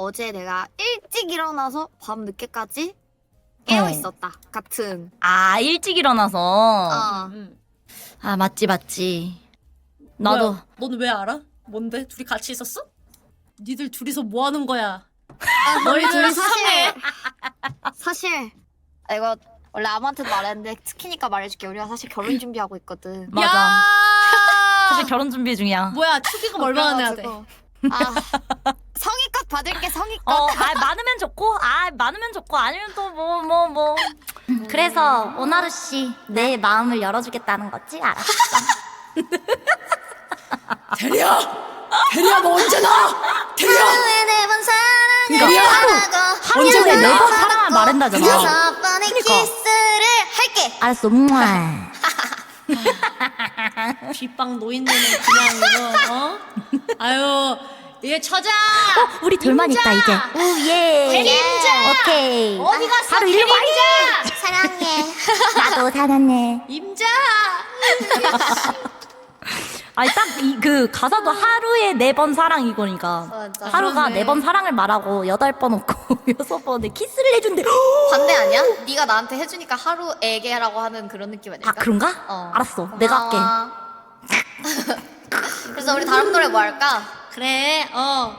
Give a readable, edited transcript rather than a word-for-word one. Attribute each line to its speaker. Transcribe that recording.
Speaker 1: 어제 내가 일찍 일어나서 밤 늦게까지 깨어 있었다 같은.
Speaker 2: 아, 일찍 일어나서.
Speaker 1: 어.
Speaker 2: 아, 맞지. 나도.
Speaker 3: 뭐야, 너는 왜 알아? 뭔데? 둘이 같이 있었어? 니들 둘이서 뭐 하는 거야?
Speaker 1: 너희 둘이
Speaker 3: 이상해.
Speaker 1: 사실 이거 원래 아무한테도 말했는데 스키니까 말해줄게. 우리가 사실 결혼 준비하고 있거든.
Speaker 2: 맞아.
Speaker 3: 야!
Speaker 2: 사실 결혼 준비 중이야.
Speaker 3: 뭐야, 축의금 얼마나 내야 돼?
Speaker 1: 그래가지고, 성의껏 받을게. 성의껏.
Speaker 2: 많으면 좋고, 아니면 또 뭐. 그래서 오나루 씨, 내 마음을 열어주겠다는 거지? 알았어.
Speaker 3: 대리야! 대리야, 너 언제 나? 대리야!
Speaker 1: 하루에 4번 사랑을
Speaker 3: 그러니까
Speaker 1: 하라고
Speaker 3: 언제
Speaker 2: 하루에
Speaker 3: 나?
Speaker 2: 4번 사랑을 말한다잖아.
Speaker 1: 6번의
Speaker 2: 그러니까.
Speaker 1: 키스를 할게.
Speaker 2: 알았어,
Speaker 3: 뒷방 노인네는 그냥 이거, 어? 아유, 얘 처자!
Speaker 2: 우리 둘만
Speaker 3: 임자!
Speaker 2: 있다, 이제. 오, 예.
Speaker 3: 대리임자!
Speaker 2: 오케이.
Speaker 3: 어디 갔어,
Speaker 2: 하루 일로 와.
Speaker 3: 대리임자!
Speaker 1: 사랑해.
Speaker 2: 나도 사랑해.
Speaker 3: 임자!
Speaker 2: 아니, 딱 그 가사도 하루에 4번 사랑 이거니까.
Speaker 1: 맞아.
Speaker 2: 하루가
Speaker 3: 그러네.
Speaker 2: 4번 사랑을 말하고 8번 없고 6번에 키스를 해준대.
Speaker 1: 반대 아니야? 네가 나한테 해주니까 하루에게라고 하는 그런 느낌 아닐까?
Speaker 2: 아, 그런가?
Speaker 1: 어.
Speaker 2: 알았어. 내가 할게.
Speaker 1: 할게. 그래서 우리 다른 노래 뭐 할까?
Speaker 3: 그래,